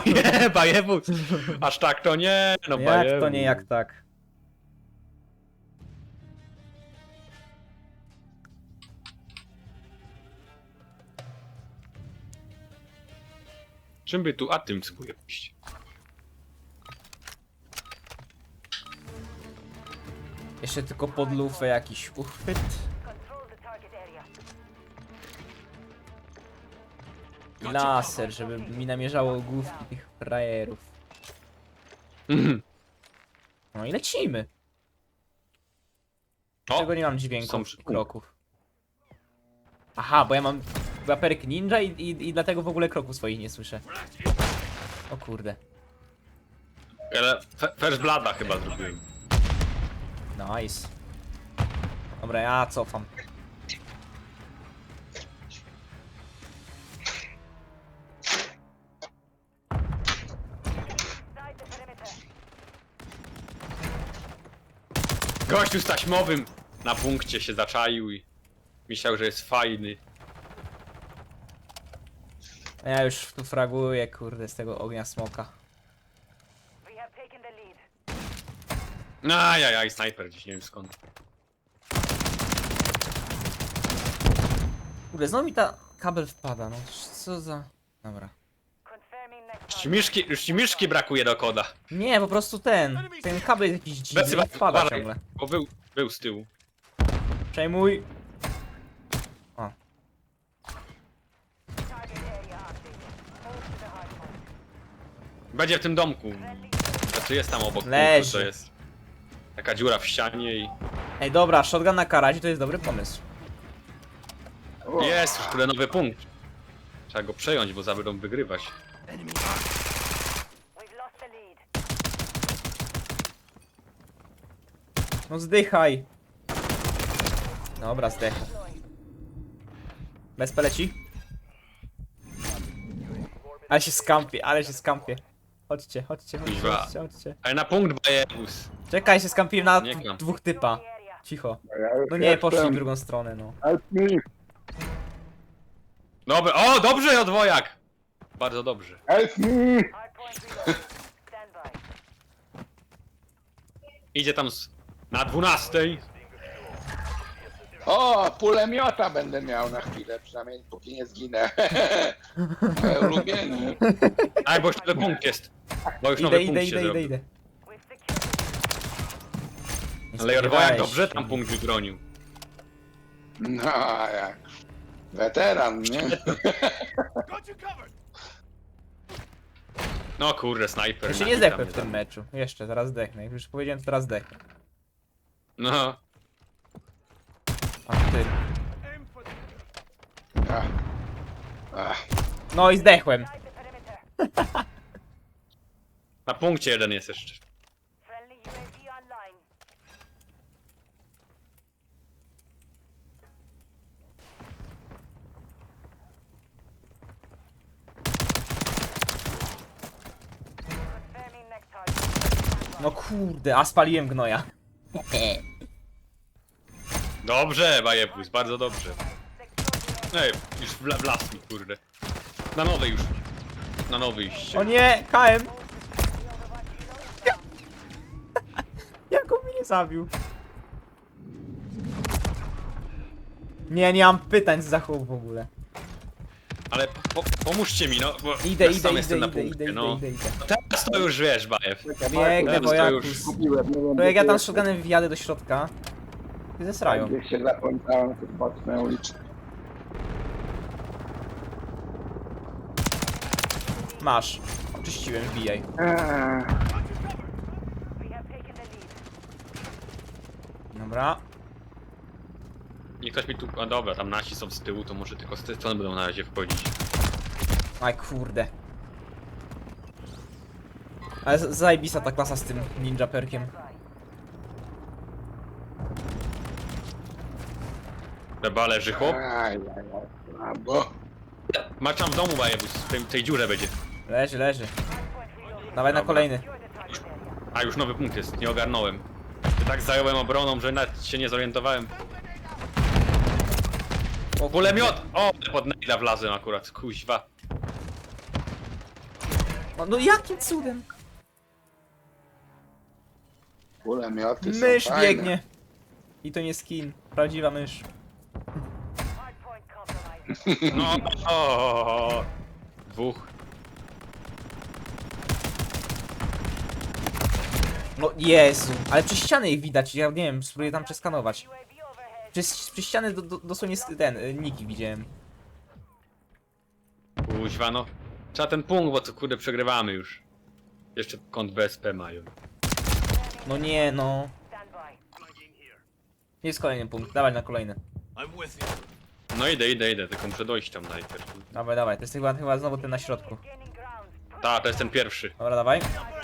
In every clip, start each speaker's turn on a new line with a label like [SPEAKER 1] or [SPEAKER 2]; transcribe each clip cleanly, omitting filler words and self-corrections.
[SPEAKER 1] Nie, bajewóz! Aż tak to nie, no
[SPEAKER 2] Jak
[SPEAKER 1] bajewóz.
[SPEAKER 2] to nie, jak tak?
[SPEAKER 1] Czym by tu, a tym spróbuję pójść.
[SPEAKER 2] Jeszcze tylko pod lufę jakiś uchwyt. I laser, żeby mi namierzało główki tych frajerów.
[SPEAKER 1] Mhm.
[SPEAKER 2] No i lecimy.
[SPEAKER 1] O,
[SPEAKER 2] Czego nie mam
[SPEAKER 1] są
[SPEAKER 2] dźwięków
[SPEAKER 1] przy-
[SPEAKER 2] kroków. Aha, bo ja mam waperek ninja i dlatego w ogóle kroków swoich nie słyszę. O kurde.
[SPEAKER 1] ale First Blooda chyba zrobiłem.
[SPEAKER 2] Nice. Dobra, ja cofam.
[SPEAKER 1] Gościu z taśmowym na punkcie się zaczaił i myślał, że jest fajny.
[SPEAKER 2] A ja już tu fraguję, kurde, z tego ognia smoka.
[SPEAKER 1] Ajajaj, snajper gdzieś, nie wiem skąd.
[SPEAKER 2] Kurde, znowu mi ta kabel wpada, no co za... Dobra.
[SPEAKER 1] Już ci miszki brakuje do koda.
[SPEAKER 2] Nie, po prostu ten kabel jakiś dziwny, wpada
[SPEAKER 1] Uważaj,
[SPEAKER 2] ciągle.
[SPEAKER 1] bo był z tyłu.
[SPEAKER 2] Przejmuj. O.
[SPEAKER 1] Będzie w tym domku. Znaczy jest tam obok.
[SPEAKER 2] Leży.
[SPEAKER 1] To jest taka dziura w ścianie i...
[SPEAKER 2] Ej, dobra, shotgun na karazie to jest dobry pomysł.
[SPEAKER 1] Jest już kurde nowy punkt. Trzeba go przejąć, bo będą wygrywać.
[SPEAKER 2] No zdychaj. Dobra, zdechł. Bez peleci. Ale się skampię, ale się skampię. Chodźcie, chodźcie, chodźcie,
[SPEAKER 1] Kuźwa.
[SPEAKER 2] chodźcie, chodźcie.
[SPEAKER 1] Ale na punkt bajebus.
[SPEAKER 2] Czekaj, się skampiłem na
[SPEAKER 1] Nie kłam.
[SPEAKER 2] dwóch typa. Cicho.
[SPEAKER 3] Ja już
[SPEAKER 2] No nie, poszli w
[SPEAKER 3] jestem.
[SPEAKER 2] drugą stronę, no.
[SPEAKER 3] Help me!
[SPEAKER 1] Dobra, o dobrze odwojak! Bardzo dobrze.
[SPEAKER 3] Help me!
[SPEAKER 1] Idzie tam na 12.
[SPEAKER 3] O, pulemiota będę miał na chwilę, przynajmniej póki nie zginę. Moje ulubienie.
[SPEAKER 1] A, bo już nowy punkt jest. Bo już
[SPEAKER 2] Idę,
[SPEAKER 1] nowy
[SPEAKER 2] idę,
[SPEAKER 1] punkt
[SPEAKER 2] idę,
[SPEAKER 1] się
[SPEAKER 2] idę,
[SPEAKER 1] zrobił.
[SPEAKER 2] idę. Nie
[SPEAKER 1] Ale odwojak
[SPEAKER 2] spodziewałeś
[SPEAKER 1] dobrze
[SPEAKER 2] się.
[SPEAKER 1] tam punkt wybronił.
[SPEAKER 3] No, a jak. Weteran, nie?
[SPEAKER 1] No kurde, snajper.
[SPEAKER 2] Jeszcze
[SPEAKER 1] na
[SPEAKER 2] nie
[SPEAKER 1] hita
[SPEAKER 2] zdechłem
[SPEAKER 1] mnie
[SPEAKER 2] w tym
[SPEAKER 1] zabił.
[SPEAKER 2] meczu. Jeszcze, zaraz zdechnę. Jak już powiedziałem, to teraz zdechnę.
[SPEAKER 1] No.
[SPEAKER 2] A ty.
[SPEAKER 3] Ach. Ach.
[SPEAKER 2] No i zdechłem.
[SPEAKER 1] Na punkcie jeden jest jeszcze.
[SPEAKER 2] No kurde, a spaliłem gnoja.
[SPEAKER 1] Dobrze, bajebus, bardzo dobrze. Ej, już wlazł mi, kurde. Na nowy już. Na nowy iście.
[SPEAKER 2] O nie, KM. Jak on mnie zabił? Nie, nie mam pytań z zachowu w ogóle.
[SPEAKER 1] Ale pomóżcie mi, no, bo
[SPEAKER 2] Idę,
[SPEAKER 1] ja
[SPEAKER 2] idę,
[SPEAKER 1] sam
[SPEAKER 2] idę,
[SPEAKER 1] jestem na
[SPEAKER 2] idę,
[SPEAKER 1] punkcie,
[SPEAKER 2] idę,
[SPEAKER 1] no.
[SPEAKER 2] idę, idę.
[SPEAKER 1] Teraz to już wiesz, bajew.
[SPEAKER 2] Biegnę,
[SPEAKER 1] Teraz
[SPEAKER 2] bo
[SPEAKER 1] to
[SPEAKER 2] jak...
[SPEAKER 1] już-
[SPEAKER 3] Kupiłem, nie wiem,
[SPEAKER 2] To jak ja tam
[SPEAKER 3] gdzie
[SPEAKER 2] shotgunem wjadę do środka, i zesrają.
[SPEAKER 3] Gdzieś się zapomniałem, to boczne uliczki.
[SPEAKER 2] Masz. Oczyściłem, wbijaj. Dobra.
[SPEAKER 1] Nie ktoś mi tu... A dobra, tam nasi są z tyłu, to może tylko z tej strony będą na razie wchodzić.
[SPEAKER 2] Aj kurde. Ale zajebista ta klasa z tym ninja perkiem.
[SPEAKER 1] Chyba leży chłop.
[SPEAKER 3] Bravo.
[SPEAKER 1] Maczam w domu bajebus, w tej dziurze będzie.
[SPEAKER 2] Leży, leży. Dawaj na
[SPEAKER 1] Dobra.
[SPEAKER 2] kolejny.
[SPEAKER 1] A już nowy punkt jest, nie ogarnąłem. Tak zająłem obroną, że nawet się nie zorientowałem.
[SPEAKER 2] O,
[SPEAKER 1] Kulemiot! O, pod nejda wlazłem akurat, kuźwa.
[SPEAKER 2] No jakim cudem?
[SPEAKER 3] Kulemioty są
[SPEAKER 2] Mysz
[SPEAKER 3] fajne.
[SPEAKER 2] biegnie. I to nie skin. Prawdziwa mysz.
[SPEAKER 1] No, o, dwóch.
[SPEAKER 2] No Jezu, ale przez ściany ich widać, ja nie wiem, spróbuję tam przeskanować. Przez ściany dosłownie niki widziałem.
[SPEAKER 1] Kuźwa, no. Trzeba ten punkt, bo to kurde przegrywamy już. Jeszcze kąt BSP mają.
[SPEAKER 2] No nie, no. Jest kolejny punkt, dawaj na kolejny.
[SPEAKER 1] No idę, tylko muszę dojść tam najpierw.
[SPEAKER 2] Dawaj, dawaj, to jest chyba znowu ten na środku.
[SPEAKER 1] Ta, to jest ten pierwszy.
[SPEAKER 2] Dobra, dawaj.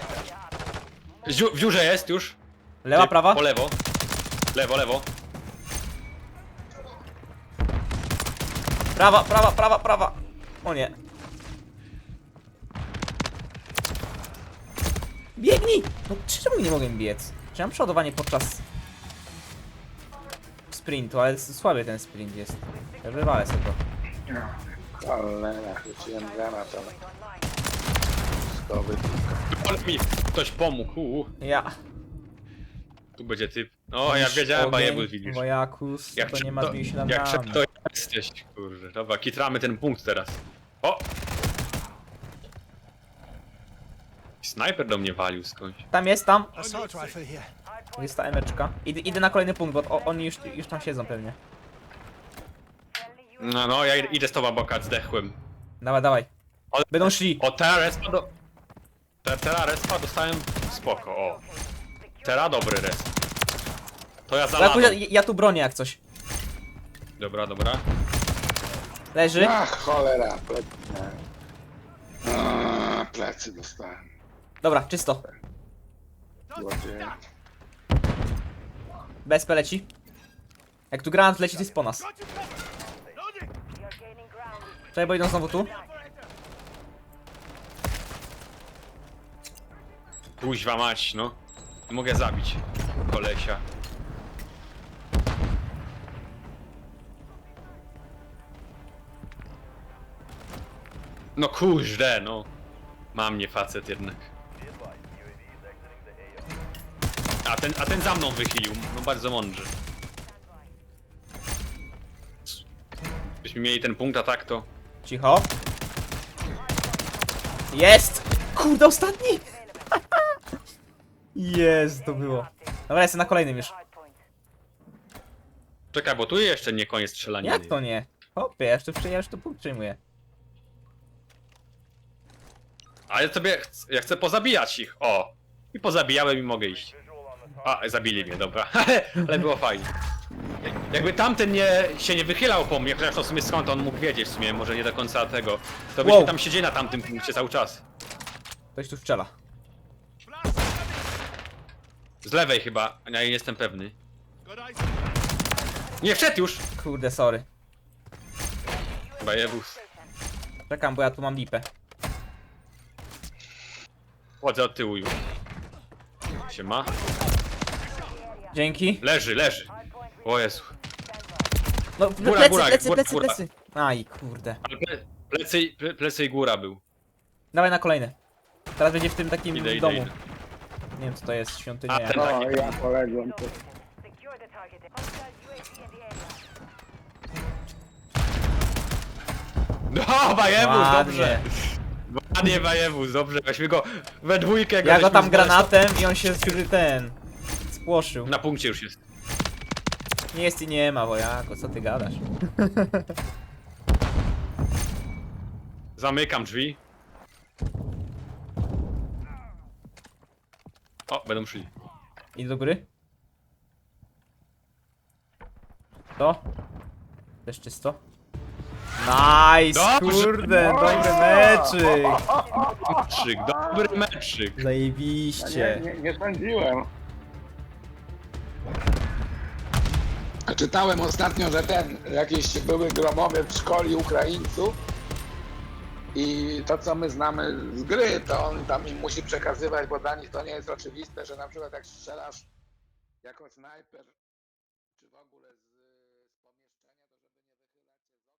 [SPEAKER 1] W dziurze jest już.
[SPEAKER 2] Lewa, prawa?
[SPEAKER 1] Po lewo. Lewo, lewo.
[SPEAKER 2] Prawa, prawa, prawa, prawa. O nie. Biegnij! No czemu nie mogę biec? Czy mam przeładowanie podczas sprintu, ale słaby ten sprint jest. Ja wywalę sobie to.
[SPEAKER 3] Cholera, chwyciłem granat, ale... Skowy.
[SPEAKER 1] Ale mi ktoś pomógł.
[SPEAKER 2] Ja.
[SPEAKER 1] Tu będzie typ. O, ja wiedziałem, Bajebu widzisz.
[SPEAKER 2] Wojakus, to nie ma zmienić się na
[SPEAKER 1] Jak
[SPEAKER 2] nami.
[SPEAKER 1] to jesteś, kurde. Dobra, kitramy ten punkt teraz. O! Snajper do mnie walił skądś.
[SPEAKER 2] Tam jest, tam.
[SPEAKER 4] Assault rifle here.
[SPEAKER 2] Jest ta emeczka. Idę na kolejny punkt, bo oni już tam siedzą pewnie.
[SPEAKER 1] No, ja idę z tobą, bokat, zdechłem.
[SPEAKER 2] Dawaj, dawaj.
[SPEAKER 1] Ale-
[SPEAKER 2] Będą szli.
[SPEAKER 1] O, teraz respa do... Teraz respa dostałem spoko, o. Teraz dobry res. To ja
[SPEAKER 2] Ja,
[SPEAKER 1] zaladam.
[SPEAKER 2] ja tu bronię jak coś.
[SPEAKER 1] Dobra, dobra.
[SPEAKER 2] Leży.
[SPEAKER 3] Ach, cholera, plecy. Plecy dostałem.
[SPEAKER 2] Dobra, czysto.
[SPEAKER 3] Złodzieje.
[SPEAKER 2] BSP leci. Jak tu granat leci, to jest po nas. Czekaj, bo idą znowu tu.
[SPEAKER 1] Kuźwa mać, no. Nie mogę zabić kolesia. No kuźle, no. Ma mnie facet jednak. A ten za mną wychylił, no bardzo mądrze. Byśmy mieli ten punkt, a tak to...
[SPEAKER 2] Cicho. Jest! Kurde, ostatni! Jest, to było. Dobra, jestem na kolejnym już.
[SPEAKER 1] Czekaj, bo tu jeszcze nie koniec strzelaniny.
[SPEAKER 2] Jak to nie? Hopie, ja już tu punkt przyjmuję.
[SPEAKER 1] A ja chcę pozabijać ich, o. I pozabijałem i mogę iść. A, zabili mnie, dobra. Ale było fajnie. Jakby tamten się nie wychylał po mnie, chociaż to w sumie skąd on mógł wiedzieć w sumie, może nie do końca tego. To byśmy
[SPEAKER 2] Wow.
[SPEAKER 1] tam siedzieli na tamtym punkcie cały czas.
[SPEAKER 2] Ktoś tu strzela.
[SPEAKER 1] Z lewej chyba, ja nie jestem pewny. Nie, wszedł już!
[SPEAKER 2] Kurde, sorry.
[SPEAKER 1] Chyba jebus.
[SPEAKER 2] Czekam, bo ja tu mam lipę.
[SPEAKER 1] Chodzę od tyłu już. Siema.
[SPEAKER 2] Dzięki.
[SPEAKER 1] Leży. O Jezu.
[SPEAKER 2] No,
[SPEAKER 1] Góra,
[SPEAKER 2] plecy,
[SPEAKER 1] góra,
[SPEAKER 2] plecy,
[SPEAKER 1] góra,
[SPEAKER 2] plecy,
[SPEAKER 1] góra.
[SPEAKER 2] plecy. Aj, kurde.
[SPEAKER 1] Ale plecy i góra był.
[SPEAKER 2] Dawaj na kolejny. Teraz będzie w tym takim
[SPEAKER 1] Idę.
[SPEAKER 2] domu. Nie wiem co to jest, świątynia.
[SPEAKER 1] A, ten-
[SPEAKER 3] No, ja poległem.
[SPEAKER 1] No, Bajewus,
[SPEAKER 2] Ładnie.
[SPEAKER 1] dobrze. Ładnie, Bajewus, dobrze. Weźmy go we dwójkę.
[SPEAKER 2] Ja go
[SPEAKER 1] żeśmy
[SPEAKER 2] tam
[SPEAKER 1] znaleźli-
[SPEAKER 2] granatem i on się spłoszył.
[SPEAKER 1] Na punkcie już jest.
[SPEAKER 2] Nie jest i nie ma, wojako, co ty gadasz?
[SPEAKER 1] Zamykam drzwi. O, będą szli.
[SPEAKER 2] Idę do góry. To? Też czysto. Nice,
[SPEAKER 1] Dobrze.
[SPEAKER 2] kurde, dobry meczyk.
[SPEAKER 1] Meczyk, dobry meczyk.
[SPEAKER 2] Zajebiście.
[SPEAKER 3] Nie sądziłem. A czytałem ostatnio, że jakiś były gromowiec szkoli Ukraińców i to co my znamy z gry, to on tam im musi przekazywać, bo dla nich to nie jest oczywiste, że na przykład jak strzelasz jako snajper czy w ogóle z